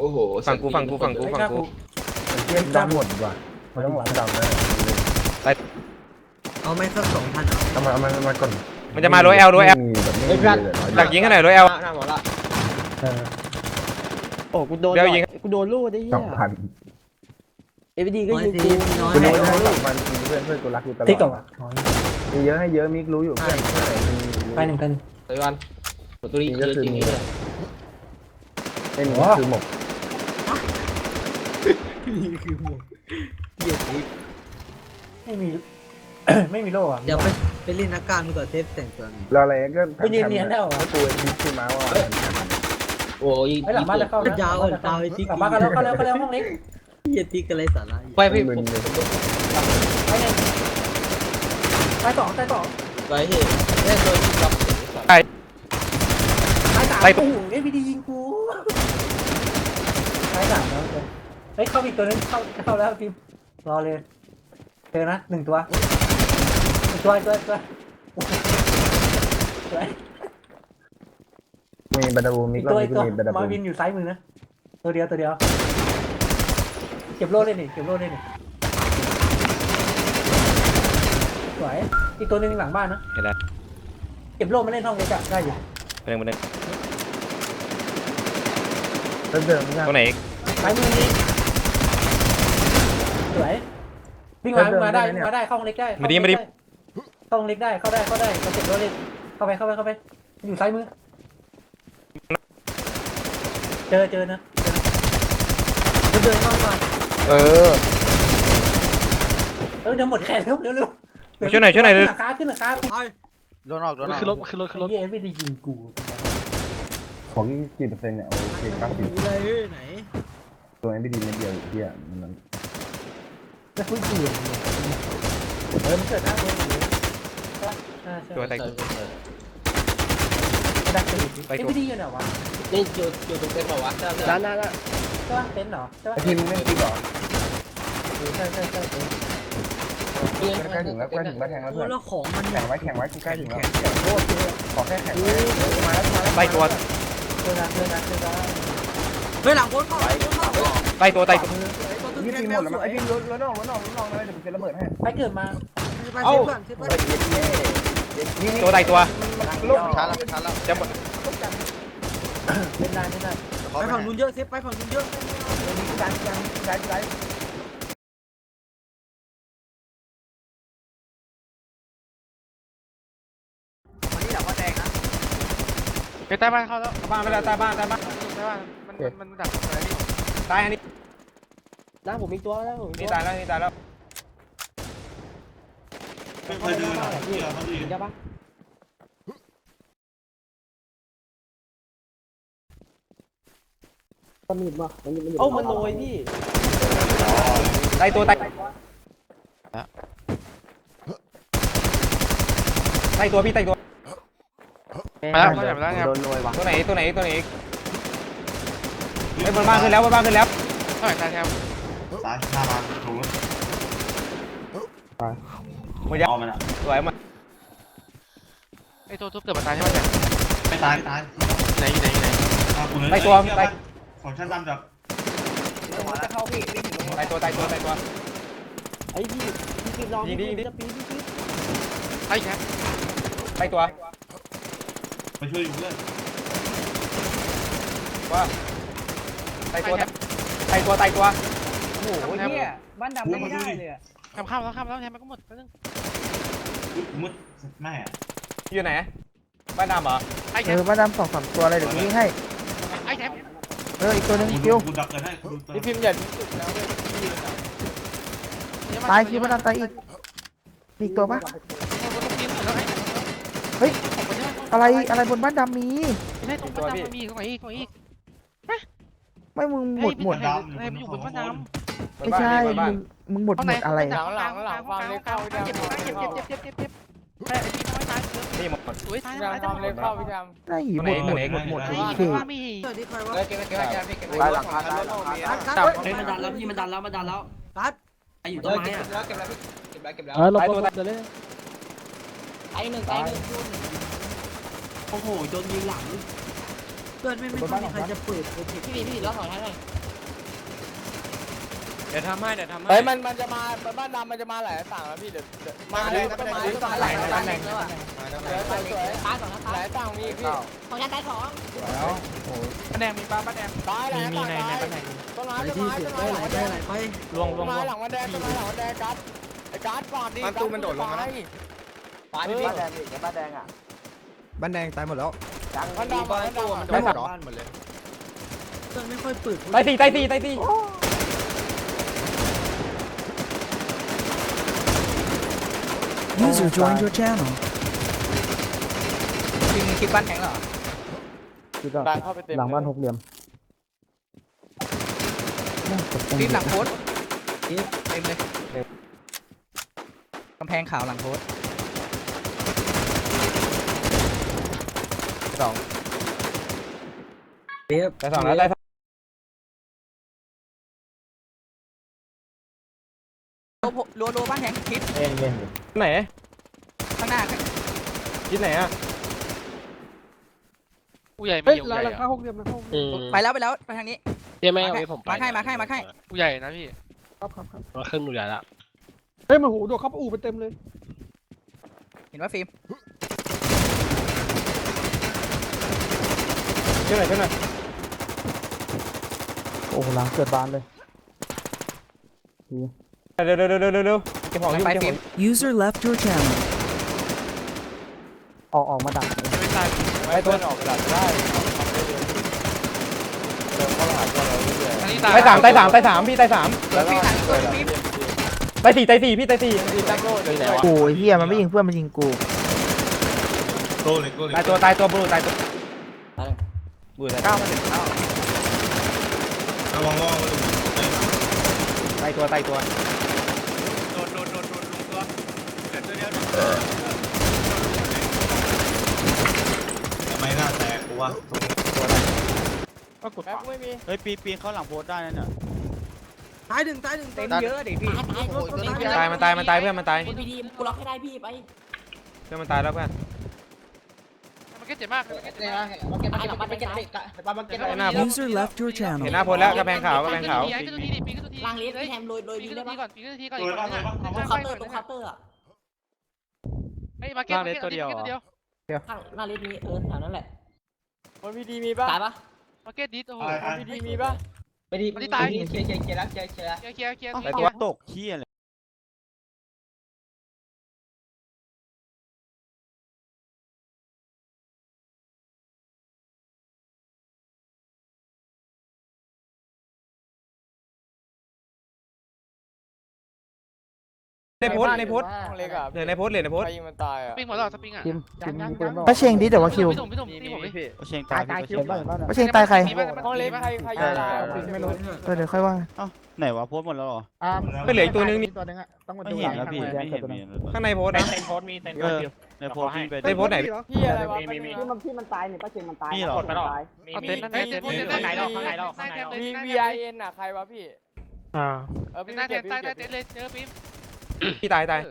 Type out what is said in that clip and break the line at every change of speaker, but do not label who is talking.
โอ้โห
ฝั่งกู
เทียบดำหมดดีกว่ามันต้องหลังดำนะ
เอาไม่สัก2,000
เอามาก่อน
มันจะมาโรยแอลดักยิงกันหน่อยโรยแอล
หน้าหมอละ
โอ้กูโดน
เดี๋ยวยิง
กูโดนลูกได้เหี้ย
2,000
เอฟดีก็ยิงกู
น้อย
คุณ
ให้
รู้ให้2,000เพื่อนกูรักกูตลอด
ติ๊กต่อ
มีเยอะให้เยอะมิกรู้อยู่เพื่อน
ไป1,000
เฮ้ยวันตัวนี้เยอะจริงนี่เลย
เป็นคือหมก
ไม่มี ไม่มีโล่อะ
เดี๋ยวไปเล่นนักการดีกว่าเทปแต่งตัวนี้
แล้วอะไรก็
กูยืนเนียนได้เหรอ
กูมิกคือมาว่า
โอ้ย
ไอ้หลังบ้านจะเข้านะ
ยาวตาไอ้ติ๊ก
หลังบ้านก็แล้วห้องเล็ก
เฮียติ๊กอะไรสาระ
ไปพี่
มึน
ไปไงไปสอง
ไปเฮ้ยแค่ตัวที่รับ
ไปสามโอ้โหเอฟดียิงกูไปสามแล้วเฮ้ยเข้าอีกตัวนึงเข้าแล้วทีมรอเลยเจอนะ1 ตัว
มีบัตรบูมิกแล้ว
ตัว
มีบัตร
มา
บู
วินอยู่ซ้ายมือนะตัวเดียวเก็บโล่เลยนี่สวยอีกตัวนึงหลังบ้านนะ
เห็นแล้ว
เก็บโล่มาเล่นห้องเล็กได้อยู่
มาหนึ่ง
เดิม
ตัวไหนอีก
ซ้ายมือนี่สวยวิ่งมาได้เข้าห้องเล็กได้เข้าห้องเล็กได้เข้าได้เราเก็บโล่เล่นเข้าไปอยู่ซ้ายมือเจอนะ
เดินเข้ามา
เออ
เดี๋ยวหมดแขนเร็วขึ้นราคา
โดนออกขึ้นรถ
เย้ไม่ได้ยิงกู
ของกี่เปอร์เซ็นต์เนี่ยโอเค90
เลยไหน
ตัวนี้ไม่ดีไม่เดียวเที่ยมัน
จะคุยกูมันเกิดหน้าเลย
ตัวไต
ดักตีไม่ดีอยู่ไหนวะ
นี่อยู่ตรงเต็นท์เปล่าวะใช่
นั่น
ใช่ป่ะเต็นท์เหรอใช่ป่ะ
ไอทีมไม่คิดหรอ
ใช่
ใกล้ถึงแล้วใกล้ถึงบ้านแทงแล้ว
โอ้
เพื่อน
แล้วของมัน
แข่งไว้กูใกล้ถึงแล้วโคตรขอแค่แข่งมาแล้ว
ไตตัว
เจอนะ
เฮ้ยหลังโคตรเข้า
ไตตัว
นี่ทีมหมดแล้วมั้งไอทีมรถนอกเลยเดี๋ยวผมจะระเบิดให้
ไปเกิดมา
ตัวไตตัว
ลูก
ช้าแล้ว
จะหมด
เล่นได้
ไปฝั่งนู้นเยอะเซฟไปฝั่งนู้นเยอะ
ได้
ไปใต้บ้านเข้าแล้ว
บ้านไปแล้วใต้บ้าน
ใต้บ้านมันดักอะไรนี่
ตายอันนี้
ร่างผมมีตัวแล้ว
นี่ตายแล้ว
เคยดูหรอใช่ปะ
มันหยุดมามันหยุด
เอ้ามันโรยพี่
ไตตัวไตตัวพี่ไตตัว
มาแล้วครับ
โดนรวยวะ
ตัวไหนอีกไอ้บนบ้านขึ้นแล้ว
เท่าไหร่ตายแถว
ซ้ายหน้ามาถูก
หมดยัง
เอามันอ่ะ
สวยมา
ไอ้ตัวทุบเกิดมาตายใช่ไหมจ๊ะ
ไม่ตาย
ไหน
ไตตัวไต
ของชั้นต่ำจาก
จะเข้าพี่
ไตตัว
ไอ้พี่พี่ลองจะปีพี่ไอ้แคป
ไตตัว
มาช่วยอยู่เพื่อน
ว่าไตตัวโอ้โหเหี้ย
บ้านดำไม่ได้เลยอะข้ามแล้วแทนมันก็หมดไปนึง
มุดแม่
อยู่ไหนบ้านดำเหรอ
ไอ้แคป
บ้านดำ2-3 ตัวอะไรเดี๋ยวนี้ให้
ไอ้แคป
อีกตัวนึง
กู
คิว
ดักเกินให้
นี่พิมพ์ใหญ่
ตายคิวบ้านดำตายอีกมีอีกตัวปะอะไรบนบ้านดำมี
ไม่ใช่ตรงบ้านดำมันมีตรงไหนอีก
ไม่มึงหมด
ให้มันอยู่บนบ้านดำ
ไม่ใช่มึงหมดอะไร
หลังวางเล็กเข้าเจ็บแต่ไอ้ที่น้อยตาย
นี่หมด
สวยตายแล้วเล็กเข้าพี่ดำ
ได้หมดโอเค
ว่ามี
สวัสดีใครวะ
เก็บ
ตายหลังคาตาย
กัดมันดันแล้วพี่มันดันแล้วกัดไออยู่ต้นไม้อะ
เก็บแล้ว
เรา
ไตตัว
จะเล่น
ไอหนึ่งโอ้โหโดนยิงหลังเกิดไม่มีใครจะเปิดพี่ล็อกของท่านเลย
เดี๋ยวทำให้
เฮ้ยมันจะมาบ้านดำมันจะมาหลายต่างแล้วพี่เดี๋ยวมาเลยก็มาหลายต่างแล้วอ่ะสวย
ตายก่อนนะ
หลายต่างมีพี่
ของยันตายสอง
แล้วโอ้
ป้าแดงมีป้าแดงตายหลายต่างตายต้นไม้ต้นไม้ต้นไม้หลังแดง
ไป
ต้นไม้หลังมันแดงต้นไม้หลังมันแดงกัดไอ้กัดก่อนดิมันตู้มันโดดลงมาแล้ว
ปาดิพี่
บ้านแดงอีกบ้านแดงอ่ะ
บ้านแดงตายหมดแล้ว
บ้านดำบ้านดำ
ไม่หมดหรอ
เกิดไม่ค่อยเปิด
ตายสี่
User joined your channel.
คิดบ้านแข็งเหรอ
ดังเข้าไปเต็ม
หลังบ้านหกเหลี่ยม
ฟิล์มหลังโพสเต็มเลยกำแพงขาวหลังโพสสอง
แต่สองแล้วได้
รัวบ้านแข็งคิด
เล่น
ไหน
ข้างหน้า
ทิศไหนอ่ะ
ผู้ใหญ่ไม่อยู่ใหญ่
ไปแล้วไปทางนี้
เจ๊ไม่เอาไว้ผมไป
มาให้
ผู้ใหญ่นะพี่
ครับ
มาขึ้นผู้ใหญ่ละ
เฮ้ยมันโหโดดเข้าอู่ไปเต็มเลย
เห็นว่าฟิล์ม
ช่วยหน่อย
โอ้หลังเกิดบานเลย
เร็วเก็บของอยู่
ไปฟิล์ม
User left your channel.
ออกมาดัก
ไม่ตาย
ไอ้ตัวออกกระดาษได้เดินเข้าหาตัวเราเรื่อย
อันนี้
ตายสามพี่ตายสาม
ฟิล์มหันตัวฟิล์ม
ตายสี่พี่ตายสี่ตั้งโล่เลย
โอ้ยเฮียมันไม่ยิงเพื่อนมันยิงกู
โกเลยโกเลย
ตายตัวบลูตายตัวบูตาย9
ระวังระวัง
ตายตัว
โดนตัวเกิดตัวเดียว
ทำไมหน้าแตกกูวะ
ก็กดไม่มี
เฮ้ยปีนเข้าหลังโพสได้นั่นน่ะ
ตายหนึ่ง
เต็มเยอะดิพี่
ตายมันตายเพื่อนมันตาย
พี่ดีกูล็อกให้ได้พี่ไป
เพื่อนมันตายแล้วเพื่อน
มันก็เจ็บมาก
User left your
เห็น
channel.
หน้าโพสแล้วกระแพงขาว
ปีนขึ้นตัวทีดิปีนขึ้นตัวที
ล่างเลสพี่แฮมโรย
ปี
ดี
น
ได้
ขึ้นตัว
ปะ
ทีก่อนปีนขึ้นตัวทีก่อน
สวยป่ะสวยป่ะ
ตรงเคาน์เตอร์ตรงเคาน์เตอร์อ่ะ
เฮ้ยมาเก็ตตัวเดียว
ข้างหน้าเลสนี้แถวนั้นแหละ
มันพีดีมีป่ะ
ตายปะ
มาเก็ตดิสโอ้โห
พีดีมีป่ะ
ไม่ดีเคลียร์แล้ว
เคลียร์
ไอตัวตกขี้อะไร
ในโพสเดี๋ยวในโพสใครยิงมันตายอ่ะ
สปริงหมดแล้วสปริงอ่ะ
ทีมมีปืนบ้าง
ป้าเชงดิแต่ว่าคิว
พี่ตุ่มพี่
โอเชงตายพี่
เห็นบ้าง
ป้าเชงตายใคร
ห้องเล็กใครยิงตาย
ไม่รู้
เดี๋ยวค่อยว่า
ไหนวะโพสหมดแล้วหรอ
ไม่เหลืออีกตัวนึงนี่
ตัวนึงอ่ะต้องมา
ไม่
ดู
เห็นแล้วพี่ไม่เห็น
ข้างในโพสนะ
เออในโพสพี่ไป
ในโพสไหนพี่อะไรวะ
ที่มันตายเนี่ยป้าเชงมันตาย
พี่หรอ
เอาเต็นท์นั่นเต็นท์ข้างไหนเรา
มี VIN อ่ะใครวะพี่
อ่า
พี่
ใต้
เก็บ
เต็นท์เลยเจอฟิล์ม
พี่ตาย